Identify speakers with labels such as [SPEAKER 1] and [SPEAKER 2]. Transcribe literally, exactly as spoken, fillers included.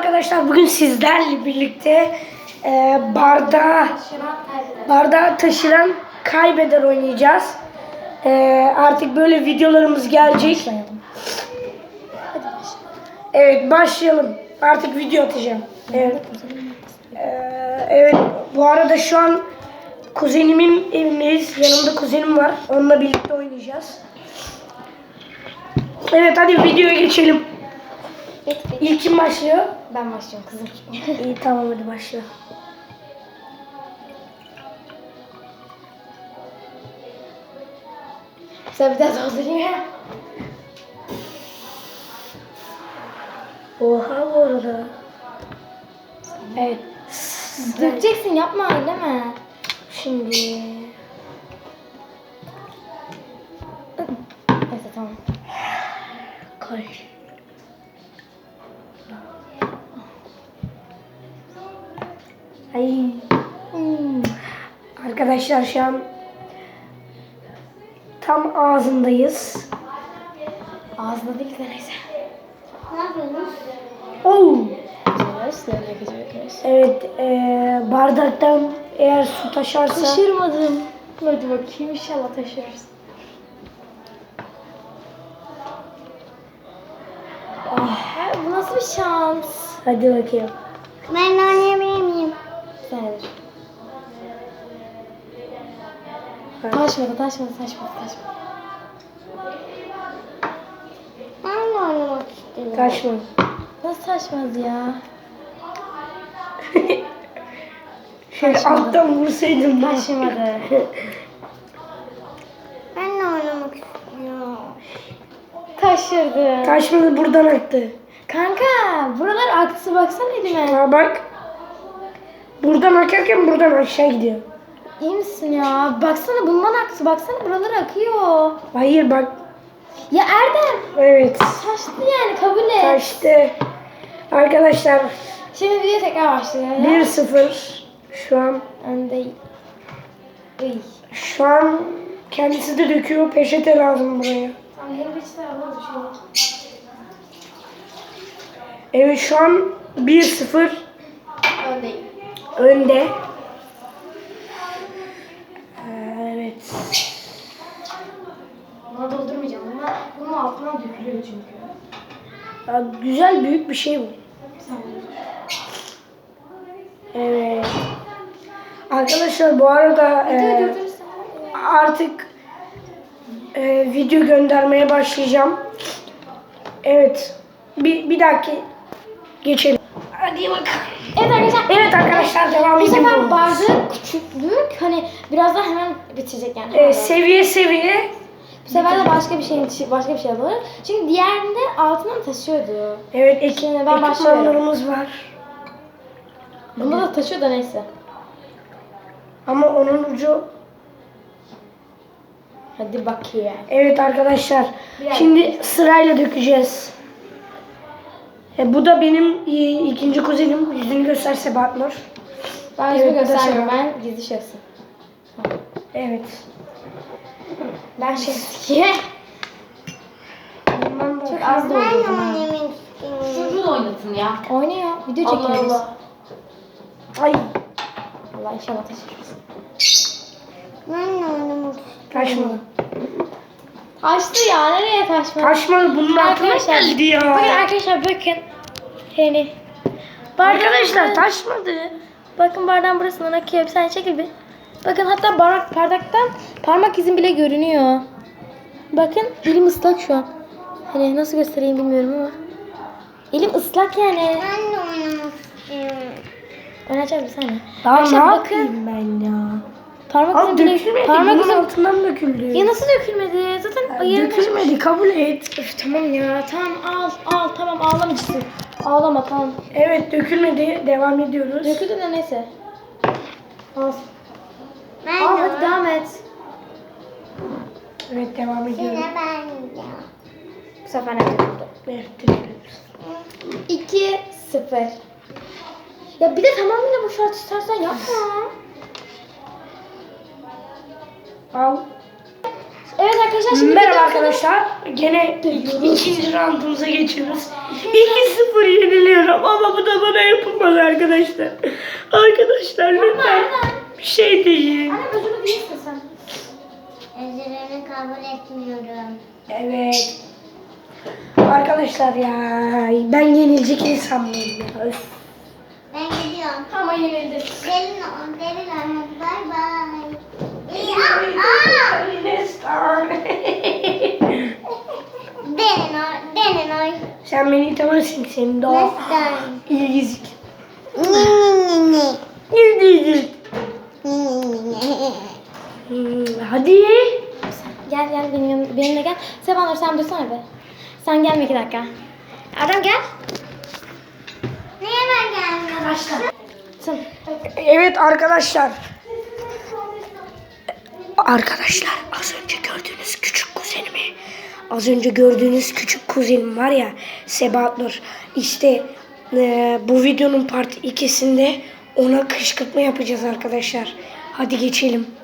[SPEAKER 1] arkadaşlar, bugün sizlerle birlikte e, bardağı, bardağı taşıran kaybeder oynayacağız. E, artık böyle videolarımız gelecek. Evet, başlayalım. Artık video atacağım. Evet. E, evet, bu arada şu an kuzenimin evindeyiz. Yanımda kuzenim var. Onunla birlikte oynayacağız. Evet, hadi videoya geçelim. İlk kim başlıyor?
[SPEAKER 2] Ben başlıyorum kızım.
[SPEAKER 1] İyi, tamam, hadi başla.
[SPEAKER 2] Sen bir daha doldurayım.
[SPEAKER 1] Oha, bu arada. Evet.
[SPEAKER 2] Dökeceksin, yapma öyle mi?
[SPEAKER 1] Şimdi.
[SPEAKER 2] Neyse tamam.
[SPEAKER 1] Koy. Ay.
[SPEAKER 2] Hmm.
[SPEAKER 1] Arkadaşlar, şu an tam ağzındayız.
[SPEAKER 2] Ağzına değil de neyse.
[SPEAKER 3] Ne yapıyorsunuz?
[SPEAKER 1] Oo.
[SPEAKER 2] Dökeceğiz.
[SPEAKER 1] Evet, ee, bardaktan eğer su taşarsa.
[SPEAKER 2] Taşırmadım. Hadi bakayım, inşallah taşırırız. Ah, bu nasıl bir şans?
[SPEAKER 1] Hadi bakayım.
[SPEAKER 3] Ben de oynayabilir miyim?
[SPEAKER 2] Sendir. Taşmadı, taşmadı, taşmadı, taşmadı.
[SPEAKER 3] Ben de oynamak istiyorum.
[SPEAKER 1] Taşma.
[SPEAKER 2] Nasıl taşmadı ya?
[SPEAKER 1] Şöyle alttan vursaydım. da.
[SPEAKER 2] Taşmadı.
[SPEAKER 3] Ben de oynamak istiyorum.
[SPEAKER 2] Taşırdı.
[SPEAKER 1] Taşmadı, buradan aktı.
[SPEAKER 2] Kanka, buralar aktı, baksana elime.
[SPEAKER 1] Ha, bak. Buradan akarken buradan aşağı gidiyor.
[SPEAKER 2] İyi misin ya? Baksana bundan aktı, baksana buralar akıyor.
[SPEAKER 1] Hayır, bak.
[SPEAKER 2] Ya Erdem,
[SPEAKER 1] Evet.
[SPEAKER 2] taştı yani, kabul et.
[SPEAKER 1] Taştı. Arkadaşlar,
[SPEAKER 2] Şimdi video tekrar başlıyor.
[SPEAKER 1] bir sıfır şu an.
[SPEAKER 2] Önde. Iy.
[SPEAKER 1] Şu an kendisi de döküyor. Peçete lazım buraya.
[SPEAKER 2] Tamam, yeni bir çizer alalım şunu.
[SPEAKER 1] Evet, şu an bir sıfır
[SPEAKER 2] Öndeyim.
[SPEAKER 1] önde. Evet.
[SPEAKER 2] Buna doldurmayacağım. Buna, bunun altına dökülüyor çünkü.
[SPEAKER 1] Ya, güzel, büyük bir şey bu.
[SPEAKER 2] Sen doldur.
[SPEAKER 1] Evet. Arkadaşlar, bu arada
[SPEAKER 2] Videoyu
[SPEAKER 1] e,
[SPEAKER 2] durdurursan.
[SPEAKER 1] artık e, video göndermeye başlayacağım. Evet. Bir, bir dahaki geçelim. Hadi bakalım.
[SPEAKER 2] Evet arkadaşlar.
[SPEAKER 1] Evet arkadaşlar, devam
[SPEAKER 2] Bu sefer
[SPEAKER 1] ediyoruz.
[SPEAKER 2] bardağın küçüklük hani biraz daha hemen bitecek yani.
[SPEAKER 1] E, seviye seviye.
[SPEAKER 2] Bu sefer de başka bir şeyin başka bir şey alır. Çünkü diğerinde altından taşıyordu.
[SPEAKER 1] Evet, ek,
[SPEAKER 2] Şimdi ben başlıyorum.
[SPEAKER 1] ekipmanlarımız var.
[SPEAKER 2] Bunda da taşıyor da neyse.
[SPEAKER 1] Ama onun ucu.
[SPEAKER 2] Hadi bakayım.
[SPEAKER 1] Evet arkadaşlar.
[SPEAKER 2] Biraz.
[SPEAKER 1] Şimdi sırayla dökeceğiz. E, bu da benim e, ikinci kuzenim. Yüzünü gösterse Batmur.
[SPEAKER 2] Ben
[SPEAKER 1] Evet,
[SPEAKER 2] yüzümü
[SPEAKER 1] bu da
[SPEAKER 2] göstermiyorum.
[SPEAKER 1] sana.
[SPEAKER 2] Ben gizli şahsım.
[SPEAKER 1] Evet.
[SPEAKER 2] Ben şahsiye.
[SPEAKER 1] Bundan da
[SPEAKER 2] Çok az
[SPEAKER 3] Ben de
[SPEAKER 2] doldurdum ha.
[SPEAKER 3] oynamak istiyorum.
[SPEAKER 4] Çocuğu da oynatın ya.
[SPEAKER 2] Oynuyor. Video
[SPEAKER 4] Allah
[SPEAKER 2] çekiyoruz.
[SPEAKER 4] Allah.
[SPEAKER 1] Ay,
[SPEAKER 2] Allah inşallah taşırız.
[SPEAKER 3] Ben de oynamak istiyorum.
[SPEAKER 1] taşmadı.
[SPEAKER 2] Taştı ya. Nereye taşmadı?
[SPEAKER 1] Taşmadı, bunun altına
[SPEAKER 2] Arkadaşlar,
[SPEAKER 1] geldi ya.
[SPEAKER 2] Bakın arkadaşlar, bakın. Hani.
[SPEAKER 1] Arkadaşlar, taşmadı.
[SPEAKER 2] Bakın bardağın burasından akıyor. Bir saniye çekil bir. Bakın hatta bardak, bardaktan parmak izim bile görünüyor. Bakın elim ıslak şu an. Hani nasıl göstereyim bilmiyorum ama. Elim ıslak yani.
[SPEAKER 3] Ben de oynamak istiyorum.
[SPEAKER 2] Oynayacağım bir saniye.
[SPEAKER 1] Daha ne
[SPEAKER 2] Arkadaşlar
[SPEAKER 1] yapayım ben ya?
[SPEAKER 2] Parmak
[SPEAKER 1] Abi
[SPEAKER 2] izim bile...
[SPEAKER 1] dökülmedi.
[SPEAKER 2] Parmak
[SPEAKER 1] Bunun
[SPEAKER 2] izim...
[SPEAKER 1] altından döküldü.
[SPEAKER 2] Ya nasıl dökülmedi? Zaten yarım
[SPEAKER 1] Dökülmedi, kabul et.
[SPEAKER 2] Üf, tamam ya. Tamam al al tamam ağlamayacaksın. Ağlama tamam.
[SPEAKER 1] Evet, dökülmedi. Devam ediyoruz.
[SPEAKER 2] Döküldü de neyse. Al.
[SPEAKER 3] Ben
[SPEAKER 2] Al
[SPEAKER 3] de
[SPEAKER 2] hadi devam et.
[SPEAKER 1] Evet, devam ediyoruz.
[SPEAKER 3] Yine ben de.
[SPEAKER 2] Bu sefer ne döküldü?
[SPEAKER 1] Evet, dökülüyoruz.
[SPEAKER 2] iki sıfır. Ya bir de tamamıyla boşalt istersen yapma.
[SPEAKER 1] Al.
[SPEAKER 2] Evet arkadaşlar şimdi
[SPEAKER 1] Merhaba
[SPEAKER 2] videomuzun-
[SPEAKER 1] arkadaşlar. Gene ikinci roundumuza geçiyoruz. iki sıfır yeniliyorum ama bu da arkadaşlar. Arkadaşlar lütfen bir şey deyin.
[SPEAKER 2] Anne özür değilsin sen.
[SPEAKER 3] Özürünü kabul etmiyorum.
[SPEAKER 1] Evet. Arkadaşlar ya ben yenilecek insan mıyım ya? Öf.
[SPEAKER 3] Ben gidiyorum.
[SPEAKER 2] Ama yenildi.
[SPEAKER 3] Gelin o, gelin o. Bay bay. Aa! Denin o, denin o.
[SPEAKER 1] Sen beni tanırsın senin de o
[SPEAKER 3] Nestan.
[SPEAKER 1] ilgizik.
[SPEAKER 3] Ni ni ni
[SPEAKER 1] İlgizik.
[SPEAKER 3] ni.
[SPEAKER 1] Hmm, hadi.
[SPEAKER 2] Gel gel benim yanım, benimle gel. Sebanur sen dursana be. Sen gelme iki dakika. Erdem gel.
[SPEAKER 3] Niye ben gelmiyorum?
[SPEAKER 2] Başla. Sen.
[SPEAKER 1] Evet arkadaşlar. Arkadaşlar az önce gördüğünüz küçük kuzenimi, az önce gördüğünüz küçük kuzenim var ya Sebahat Nur. İşte e, bu videonun part ikisinde ona kışkırtma yapacağız arkadaşlar. Hadi geçelim.